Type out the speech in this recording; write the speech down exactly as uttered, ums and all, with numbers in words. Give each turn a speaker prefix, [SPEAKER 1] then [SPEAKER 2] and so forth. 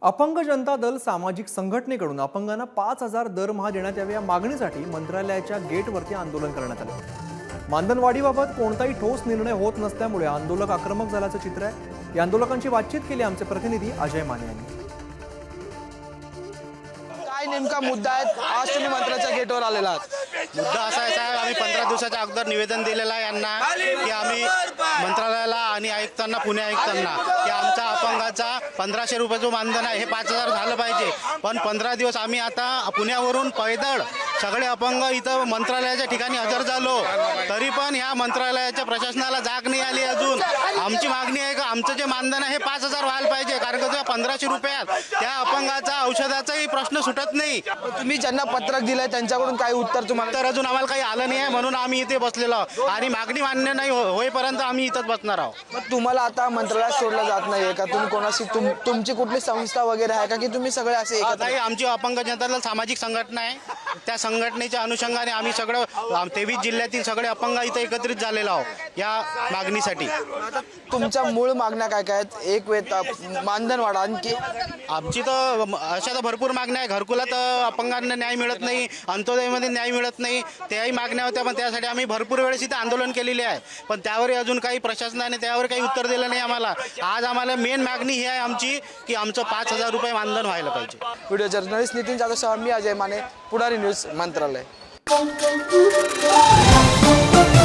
[SPEAKER 1] अपंग जनता दल सामाजिक संघटनेकडून अपंगांना पाच हजार दरमहा देण्यात यावे या मागणीसाठी मंत्रालयाच्या गेटवरती आंदोलन करण्यात आले। मानधनवाढीबाबत कोणताही ठोस निर्णय होत नसल्यामुळे आंदोलक आक्रमक झाल्याचं चित्र आहे। या आंदोलकांची बातचीत केली आमचे प्रतिनिधी अजय माने यांनी।
[SPEAKER 2] काय नेमका मुद्दा आहे? आज तुम्ही मंत्रालयाच्या गेटवर आलेला आहात।
[SPEAKER 3] मुद्दा असा आहे साहेब, आम्ही पंधरा दिवसाच्या अगोदर निवेदन दिलेलं आहे यांना की आम्ही मंत्रालयाला आणि आयुक्तांना पुणे आयुक्तांना की आमचा अपंगाचा पंधराशे रुपये जो मानधन आहे हे पाच हजार झालं पाहिजे। पण पंधरा दिवस आम्ही आता पुण्यावरून पैदळ सगळे अपंग इथं मंत्रालयाच्या ठिकाणी हजर झालो, तरी पण ह्या मंत्रालयाच्या प्रशासनाला जाग नाही आली अजून। आमची मागणी आहे का आमचं जे मानधन आहे हे पाच हजार व्हायला पाहिजे, कारण का त्या पंधराशे रुपयात त्या अपंगाचा औषधाचाही प्रश्न सुटत नाही।
[SPEAKER 2] तुम्ही ज्यांना पत्रक दिलंय त्यांच्याकडून काही उत्तर तुम्हाला?
[SPEAKER 3] तर अजून आम्हाला काही आलं नाही आहे, म्हणून आम्ही इथे बसलेलो आहोत आणि मागणी मान्य नाही हो- होईपर्यंत आम्ही इथंच बसणार आहोत।
[SPEAKER 2] मग तुम्हाला आता मंत्रालयात सोडलं जात नाहीये का? तुम्ही कोणाशी तुम तुमची कुठली संस्था वगैरे आहे का की तुम्ही सगळे असे एकत्र?
[SPEAKER 3] काही आमची अपंग जनता दल सामाजिक संघटना आहे, त्या संघटनेच्या अनुषंगाने आम्ही सगळं तेवीस जिल्ह्यातील सगळे अपंग इथं एकत्रित झालेलो आहोत या मागणीसाठी।
[SPEAKER 2] आता तुमच्या मूळ मागण्या काय काय आहेत? एक वेत मानधन वाढ, आणखी
[SPEAKER 3] आमची तर अशा तर भरपूर मागण्या आहे। घरकुलात अपंगांना न्याय मिळत नाही, अंत्योदयमध्ये न्याय मिळत नाही, त्याही मागण्या होत्या, पण त्यासाठी आम्ही भरपूर वेळेस इथं आंदोलन केलेले आहे, पण त्यावर अजून काही प्रशासनाने त्यावर काही उत्तर दिलं नाही आम्हाला। आज आम्हाला मेन मागणी ही आहे आमची की आमचं पाच हजार रुपये मानधन व्हायला पाहिजे।
[SPEAKER 2] व्हिडिओ जर्नलिस्ट नितीन जाधव सह मी अजय माने, पुढारी न्यूज मंत्रालय।